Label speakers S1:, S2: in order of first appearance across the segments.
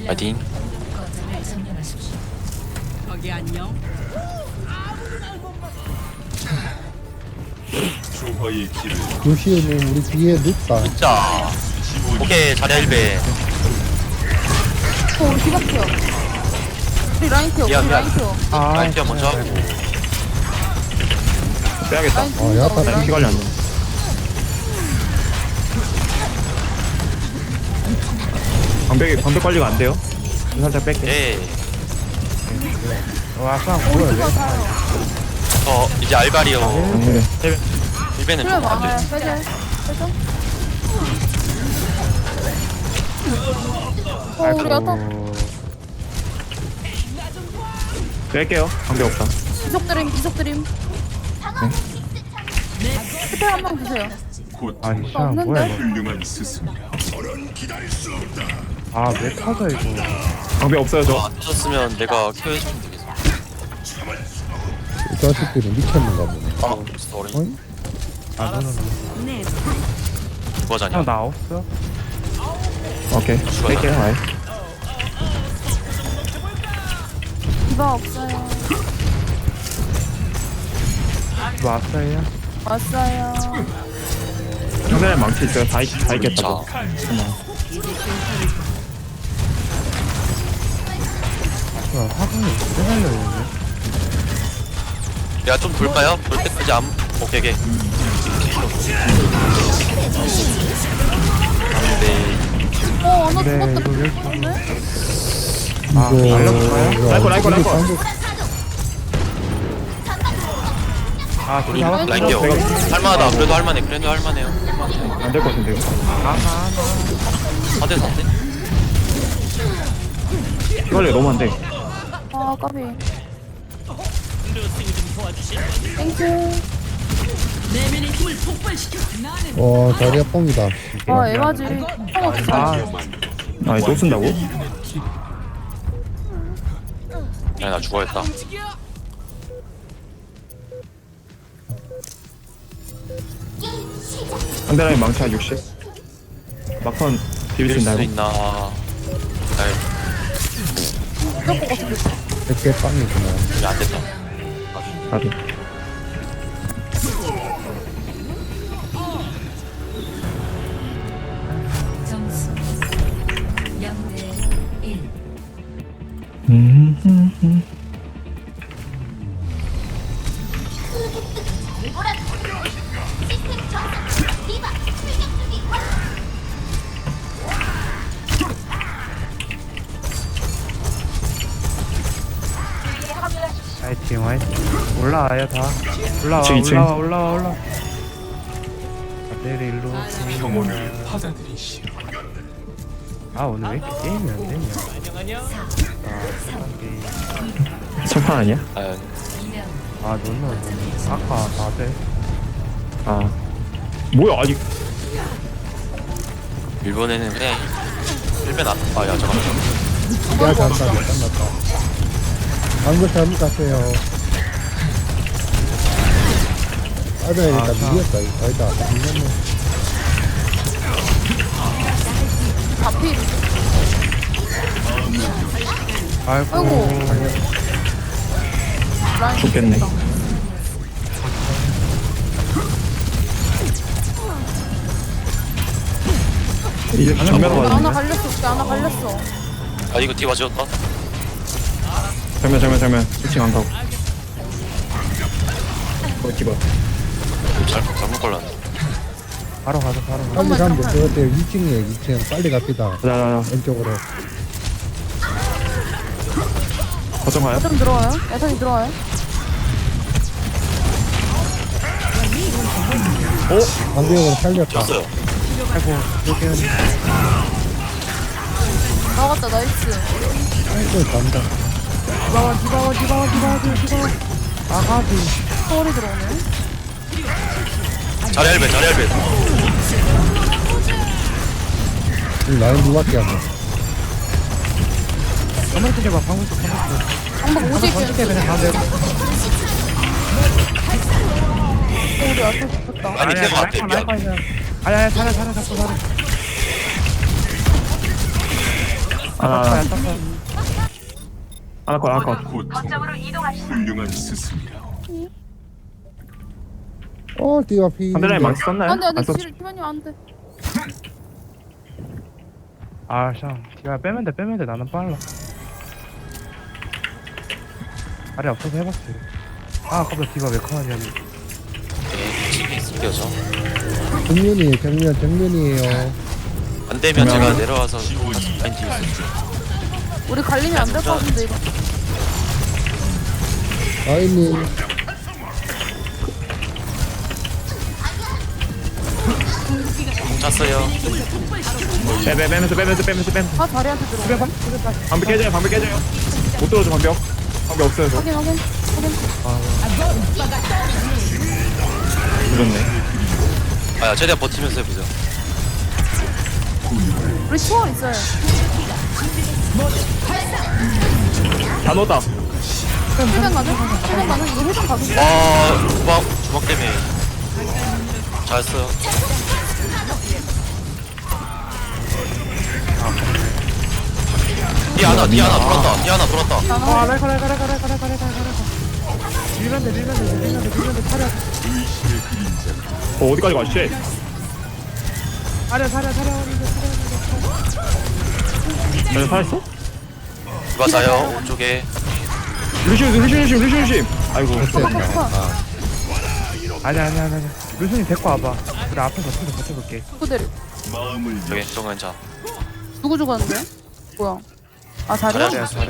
S1: 파이팅.
S2: 거기 안녕.
S3: 조화의 길을
S4: 루시우님 우리 뒤에 눕다.
S1: 자, 오케이 자리야 1배.
S5: 우리 뒤바뀌어. 우리 라인 튀어.
S1: 미안,
S5: 우리
S1: 미안.
S5: 라인 튀어.
S1: 라인 티어 먼저 하고.
S6: 빼야겠다.
S5: 라인
S4: 어, 야타
S5: 튀어.
S6: 피 관리 안 돼. 방벽 관리가 안 돼요. 살짝 뺄게.
S1: 예.
S4: 와, 쌍 뭐야?
S5: 우리가 다
S1: 저 이제 알바리오.
S6: 그래.
S1: 1배는
S5: 그래
S1: 좀
S5: 많아요.
S1: 안돼.
S5: 빼자. 빼자. 우리 야타
S6: 뺄게요. 방벽 없다.
S5: 이속 드림. 스펠 한명 주세요.
S3: 곧
S5: 없는데?
S3: 훌륭한 스승이라.
S4: 아, 왜 터져 이거?
S6: 방벽 없어요 저.
S1: 안 터졌으면 내가 켜해주면 되겠어.
S4: 이 자식들이 미쳤는가 보네.
S1: 아, 진짜 어린.
S4: 어이? 아, 너는
S1: 누가자냐?
S4: 나 없어?
S6: 오케이. 뺄게요. 아예.
S5: 디바 없어요.
S4: 왔어요?
S5: 왔어요.
S6: 상대는 망치 있어요. 다 있겠다.
S1: 자,
S6: 뭐.
S4: 화분이 오래 달려있네.
S1: 내가 좀 볼까요? 볼 때까지 안. 오케이, 오케이. 네.
S5: 너
S4: 네,
S5: 죽었다.
S4: 이거 왜
S5: 죽었네?
S4: 이거
S6: 라이코, 라이코, 라이코.
S4: 아,
S1: 우리
S5: 아,
S1: 라인 뛰어. 할만하다. 그래도 할만해. 그래도 할만해요.
S6: 안 될 것 같은데요.
S1: 4대 4대.
S6: 피 관리가 너무 안 돼.
S5: 아 까비. 땡큐.
S4: 자리야 뻥이다.
S5: 아 에바지.
S6: 아니 또 쓴다고?
S1: 야, 나 죽어야겠다.
S6: 상대라인 망치 한 60. 막판 비빌 수
S1: 밀 수
S6: 있나요?
S1: 있나? 아이,
S5: 무조건 같은데.
S4: 100개 빵이구나.
S1: 이게 안 됐다.
S6: 나도.
S7: 점수 0대 1.
S4: 화이팅, 화이팅. 올라와요, 다. 올라와,
S6: 이층, 이층.
S4: 올라와. 아들이 일로 오세요.
S3: 평온을 받아들이시오.
S4: 아, 오늘 왜 이렇게 게임이 안 되냐?
S6: 첫판 아니야?
S1: 아,
S4: 너는 아까 4대.
S6: 아 뭐야 아니
S1: 일본에는 그냥 1배 나. 아, 야, 잠깐만.
S4: 야, 잠깐, 끝났다. 방금 잘못 갔어요. 빠져야겠다. 밀렸다. 이거 아니다. 밀렸네.
S5: 앞이.
S4: 아이고.
S5: 라인.
S6: 좋겠네. 이제 정면
S5: 하나
S6: 와야
S5: 갈렸어. 우리 하나 갈렸어.
S1: 아, 이거 뒤 맞았다.
S6: 정면 1층 안 가고 디바
S1: 잘못 걸렸네.
S4: 바로 가자. 빨리 가면 돼. 그것 때문에 2층이에요. 2층. 빨리 갑시다.
S6: 자자자
S4: 왼쪽으로.
S6: 거점 가요?
S5: 야탄 들어와요. 야탄이 들어와요.
S4: 방벽으로 살렸다.
S1: 졌어요.
S4: 아이고, 여기는.
S5: 나갔다 나이스.
S4: 아이고, 간다.
S5: 디바와.
S4: 아가비.
S5: 서울이 들어오네.
S1: 자리 1배, 자리 1배.
S4: 이 라인 누밖에 안 돼.
S5: 방금 50개.
S4: 그냥 가세요.
S5: 우리 야탄 붙었다.
S1: 아니, 대박 같아. 미안.
S4: 아야, 살아, 잡고 살아.
S6: 하나 컷.
S3: 고통 훌륭한 스승이라.
S4: 띠가 피.
S6: 상대라인 망치 썼나요?
S5: 안돼 안돼
S6: 안 썼.
S5: 티바님 안돼.
S2: 아, 야, 빼면 돼. 나는 빨라. 아래 없어서 해봤지. 아, 아까부터 디바 왜 커하냐.
S1: 네, 치기 있을게요 저.
S4: 정면이에요.
S1: 안 되면 제가 내려와서 라인 뒤에 있을게요.
S5: 우리 갈리면 안 될 것 같은데 이거.
S4: 아이님.
S1: 공 찼어요.
S6: 빼면서.
S5: 다 자리한테 들어오네.
S6: 방벽 깨져요. 못 들어줘 방벽 없어요 저.
S5: 확인.
S6: 늦었네.
S1: 아야 최대한 버티면서 해보자.
S5: 우리 초월 있어요.
S6: 다 넣었다.
S5: 해변 가능? 이거 해변 가능?
S1: 와 주먹 때문에 잘했어요. 뒤 하나 돌았다.
S2: 아, 라이카. 밀면 돼, 차려.
S6: 어디까지 가 씨.
S2: 차려.
S6: 쟤네 살았어?
S1: 누가 자요 오른쪽에.
S6: 루시움. 아이고.
S2: 아니야. 루슨이 데리고 와봐. 그래, 앞에서 버텨볼게.
S5: 누구 데리?
S3: 마음을
S1: 저기 정은 자.
S5: 누구 죽었는데? 뭐야? 아 자리야?
S2: 잘해.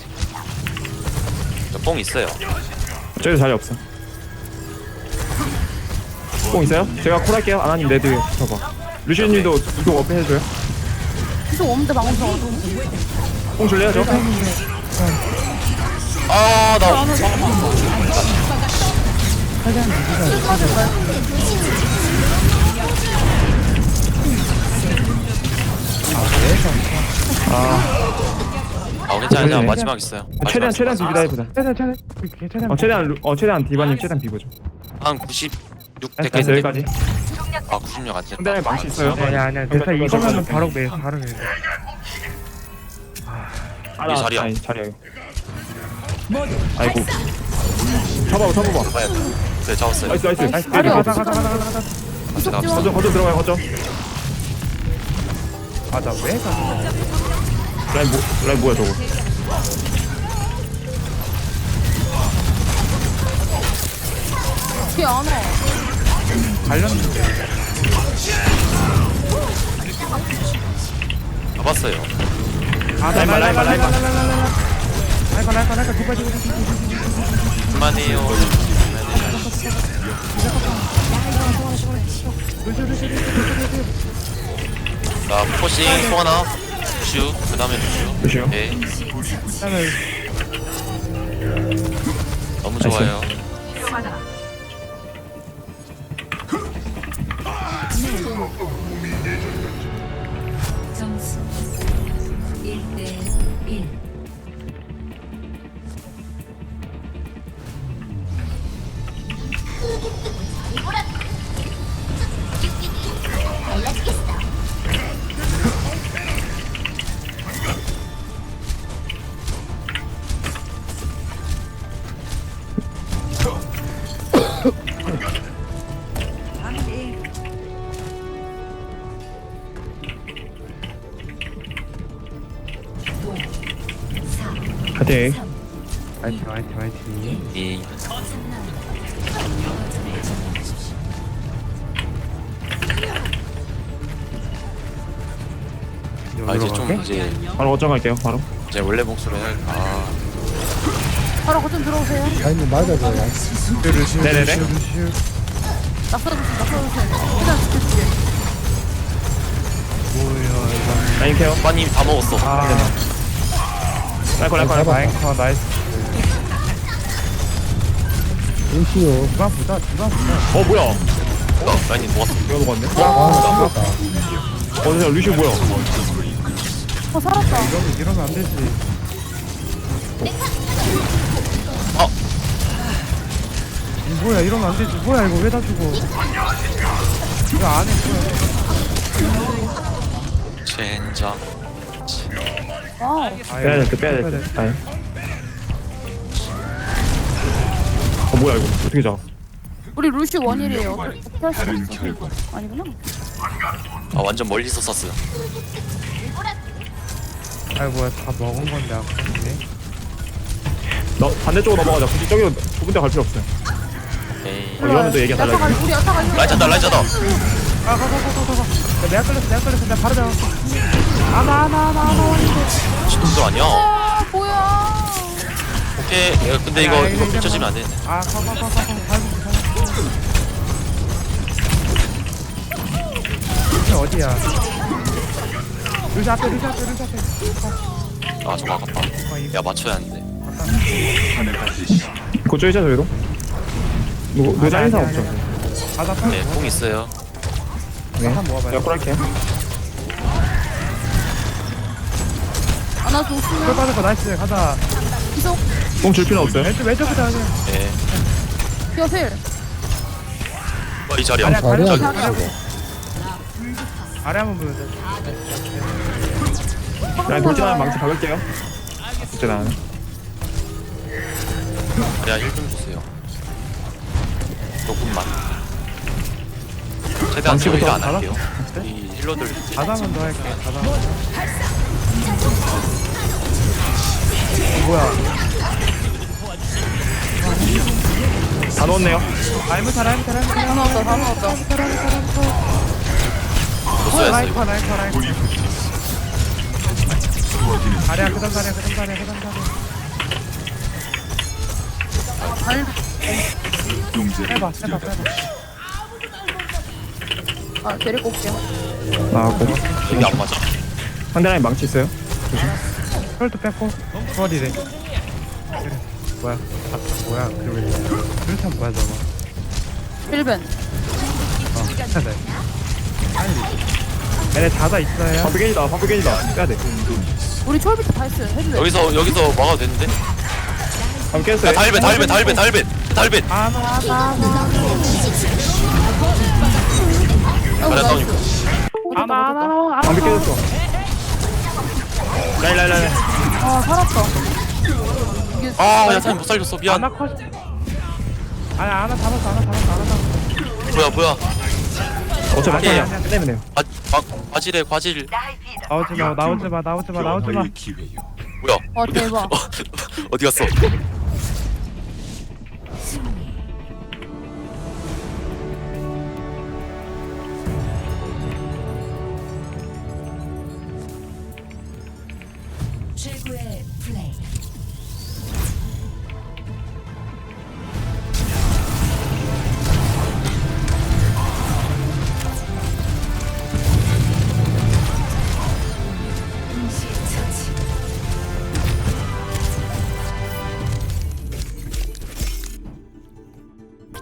S1: 저뽕 있어요.
S6: 저기 자리 없어. 뽕 있어요? 제가 콜 할게요. 아나님 레드 붙어봐. 루시님도 이동 어필 해줘요.
S5: 계속 없는데 방금 전에
S6: 뽕 줄래요 저?
S1: 아나 괜찮아. 마지막 있어요.
S6: 최대한 비비다 해보자. 최대한 디바님 최대한 비보죠.
S1: 한 96
S6: 됐어
S1: 됐겠는데.
S6: 여기까지.
S1: 아 96 안 됐다.
S6: 상대방에 망치 있어요.
S2: 아니야. 됐어. 이거면은 바로 매.
S1: 이 자리야.
S6: 아니 자리야. 아이고. 잡아봐.
S1: 봐야 돼. 네 잡았어요.
S6: 나이스.
S5: 자리
S2: 가자.
S5: 이속 지원.
S6: 거점 들어가요 거점.
S2: 아, 나 왜 가?
S6: 라인 뭐야 저거.
S5: 뒤에 안 와.
S2: 관련돼.
S1: 잡았어요.
S2: 아,
S6: 라인만.
S2: 라이카. 두까지.
S1: 그만해요. 자 포싱 또 하나. 슈 그다음에
S6: 루시오.
S1: 네 너무 좋아요.
S7: 점수 1대 1.
S6: 파이팅.
S2: 화이팅.
S1: 이 이제 좀 이제
S6: 바로 거점 갈게요. 바로.
S1: 이제 원래 목소리 아
S5: 바로 거점 들어오세요.
S4: 아이님 맞아줘요.
S6: 네네네.
S5: 낙서해주세요. 일단 지켜줄게.
S6: 라인 케어.
S1: 오빠님 다 먹었어.
S6: 라이커.
S2: 라이카 나이스.
S4: 루시오.
S2: 디바 보자.
S6: 뭐야?
S1: 라인님 먹었어.
S6: 이거 먹었네.
S4: 아, 죽었다.
S6: 어디서 루시오 뭐야?
S5: 살았다.
S2: 이러면 안 되지. 뭐야, 이러면 안 되지. 뭐야, 이거 왜 다 죽어? 이거 안해, 뭐야.
S1: 젠장.
S5: 와우.
S6: 빼야 돼, 빼야 돼. 아니. 뭐야 이거? 어떻게 잡아?
S5: 우리 루시 원일이에요. 어떻게 할 수
S3: 다른
S5: 없어.
S3: 결과
S5: 아니구나.
S1: 아 완전 멀리서 쐈어요.
S2: 아이 뭐야 다 먹은 건데 아깝네.
S6: 너 반대쪽으로 넘어가자. 굳이 저기 좁은 데 갈 필요 없어요.
S1: 에이.
S6: 이러면 또 얘기가 달라져.
S5: 우리 야타가 이거.
S1: 라이자다 라이자다.
S2: 가가가가가가. 내가 끌렸어. 내가 바로 잡았어. 아나
S1: 신동들 아니야?
S5: 아 뭐야.
S1: 오케이. 야, 근데 이거 붙여지면 안 되는데.
S2: 아 가가가가가. 어디야? 루시 앞에.
S1: 아 저거 아깝다. 야 맞춰야 하는데.
S3: 하늘하듯이
S6: 그쪽 있자 저희도. 노자
S2: 아니,
S6: 인사
S2: 아니,
S6: 없죠?
S2: 아니. 가자 타.
S1: 네, 뽕 있어요.
S6: 네.
S2: 한번 모아봐요.
S6: 제가 콜할게요.
S5: 아나
S2: 풀
S5: 좋으면
S2: 빠졌고 나이스. 가자.
S5: 기속.
S6: 뽕줄 필요 없어요.
S2: 왼쪽부터 하자.
S1: 네.
S5: 기어필.
S1: 이 자리야.
S2: 아니야,
S4: 자리야
S2: 자리야.
S4: 저거.
S2: 아래 한번 보여줘.
S6: 그냥 돌진하면 망치 박을게요. 진짜 나는.
S1: 자리야 힐좀 주세요. 조금만. 최대한
S6: 망치부터
S1: 저희가 안
S2: 받아?
S1: 할게요. 이 힐러들
S2: 가자만 더 할게. 가자. 뭐야?
S6: 다 넣었네요.
S2: 라이브 타.
S5: 다 넣었다 다 넣었다.
S1: 줬어야
S2: 라이브
S1: 이거.
S2: 라이브. 자리야 그다음 자리야.
S3: 용제를
S2: 해봐.
S5: 아 데리고 올게요.
S6: 나왔고.
S1: 이게 안 맞아.
S6: 상대방에 망치 있어요.
S2: 혈도 뺐고. 머리래. 그래. 뭐야? 뭐야? 그렇게 뭐야 저거?
S5: 1벤.
S2: 찾아. 빨리. 얘네 자다 있어요.
S6: 반프게이다. 빼야 돼.
S5: 우리 초월비트 다 했어요. 해도 돼.
S1: 여기서 막아도 되는데?
S6: 방 깼어요.
S1: 야, 달벤.
S2: 아나.
S1: 자리야 다운이고.
S2: 아나.
S6: 방비 깨졌어. 라이.
S5: 아 살았다. 이게
S1: 아 야타님 못 살렸어. 미안.
S2: 아나 컷. 아니 아나 잡았어.
S1: 뭐야.
S6: 어차피
S2: 아니야.
S6: 막판이야. 끝내면 돼요.
S1: 과질에 과질.
S2: 나오지 마.
S3: 변화의 기회요.
S1: 뭐야?
S5: 와 대박.
S1: 어디 갔어?
S7: 최고의 플레이.